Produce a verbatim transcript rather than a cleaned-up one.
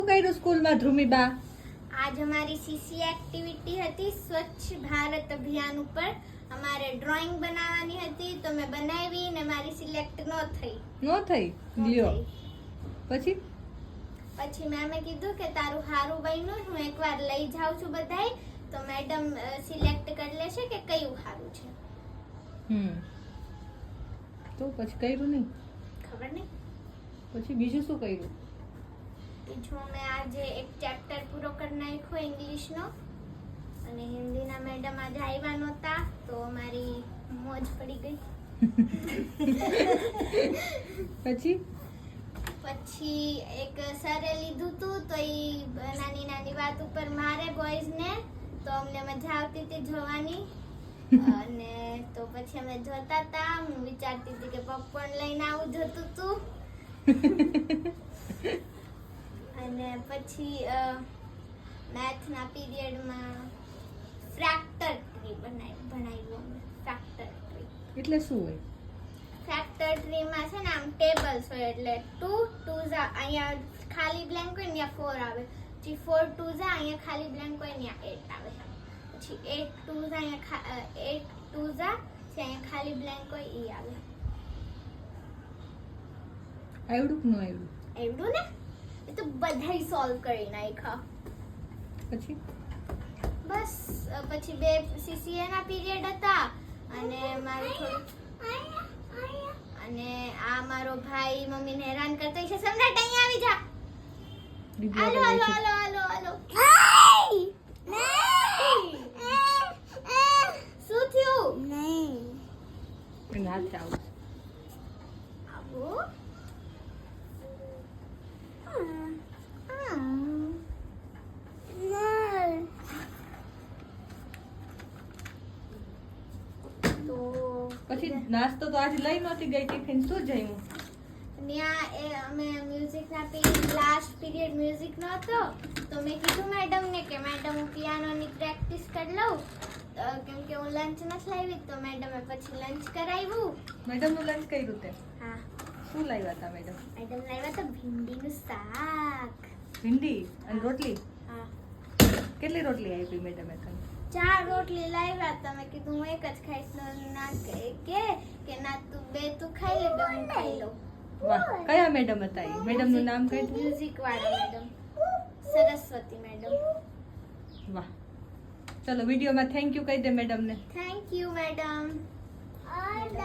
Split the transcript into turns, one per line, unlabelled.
કર્યું સ્કૂલમાં ધ્રુમીબા?
आज हमारी सीसी एक्टिविटी હતી સ્વચ્છ ભારત અભિયાન ઉપર અમારે ડ્રોઈંગ બનાવવાની હતી તો મેં બનાવી ને મારી સિલેક્ટ ન થઈ
નો થઈ લ્યો પછી
પછી મેમે કીધું કે તારું હારું બન્યું હું એકવાર લઈ જાઉં છું બધાય તો મેડમ સિલેક્ટ કરી લેશે કે કયું હારું છે
હમ તો પછી કર્યું નહીં?
ખબર નહીં.
પછી બીજું શું કર્યું?
બીજું મેં આજે એક ચેપ્ટર પૂરો કરી નાખ્યો ઇંગ્લિશનો અને હિન્દીના મેડમ આજે આવ્યા નહોતા તો મારી મોજ પડી ગઈ.
પછી
પછી એક સરે લીધું તું તો એ નાની નાની વાત ઉપર મારે બોયઝને તો અમને મજા આવતી હતી જોવાની અને તો પછી અમે જોતા હતા. હું વિચારતી હતી કે પોપકોર્ન લઈને આવું જોતું તું અને પછી મેથના પીરિયડમાં ફ્રેક્ટર ટ્રી બનાવી ભણાવ્યું અમે. ફ્રેક્ટર ટ્રી
એટલે શું હોય?
ફેક્ટર ટ્રીમાં છે ને આમ ટેબલ્સ હોય એટલે ટુ ટુ ઝા અહીંયા ખાલી બ્લેન્ક હોય ને ત્યાં ફોર આવે પછી ફોર ટુ ઝા અહીંયા ખાલી બ્લેન્ક હોય ને ત્યાં એટ આવે પછી એટ ટુ ઝા અહીંયા એટ ટુ ઝા છે અહીંયા ખાલી બ્લેન્ક હોય એ આવે.
આવડું કે ન આવડું?
એવડું ને એ તો બધાય સોલ્વ કરી નાખ્યા.
પછી
બસ પછી બે સીસીએ ના પીરિયડ હતા અને મારું થોડું અને આ મારો ભાઈ મમ્મીને હેરાન કરતો છે. સમ્રાટ અહીંયા આવી જા. હાલો હાલો હાલો હાલો હાલો. શું થયું?
નહીં હાથે આવું
આવું
પછી નાસ્તો તો આજે લઈ નહોતી ગઈ ટિફિન શું જમ્યું?
ત્યાં એ અમે મ્યુઝિકના પીરિયડ લાસ્ટ પીરિયડ મ્યુઝિકનો હતો તો મેં કીધું મેડમને કે મેડમ હું પિયાનોની પ્રેક્ટિસ કરી લઉં કેમ કે હું લંચ નથી લાવી તો મેડમે પછી લંચ કરાવ્યું.
મેડમનું લંચ કર્યું તે?
હા.
શું લાવ્યા હતા મેડમ?
મેડમ લાવ્યા તો ભીંડીનું શાક.
ભીંડી અને રોટલી?
હા.
કેટલી રોટલી આપી મેડમે તને?
ચાર રોટલી લાવ્યા તો મેં કીધું હું એક જ ખાઈશ તો ના કે કે ના તું બે તું ખાઈ લે બે હું ખાઈ લઉં.
વાહ, કયા મેડમ હતા એ? મેડમનું નામ કઈ?
મ્યુઝિક વાળા મેડમ સરસ્વતી મેડમ.
વાહ, ચલો વિડીયોમાં થેન્ક યુ કહી દે મેડમને.
Thank you madam.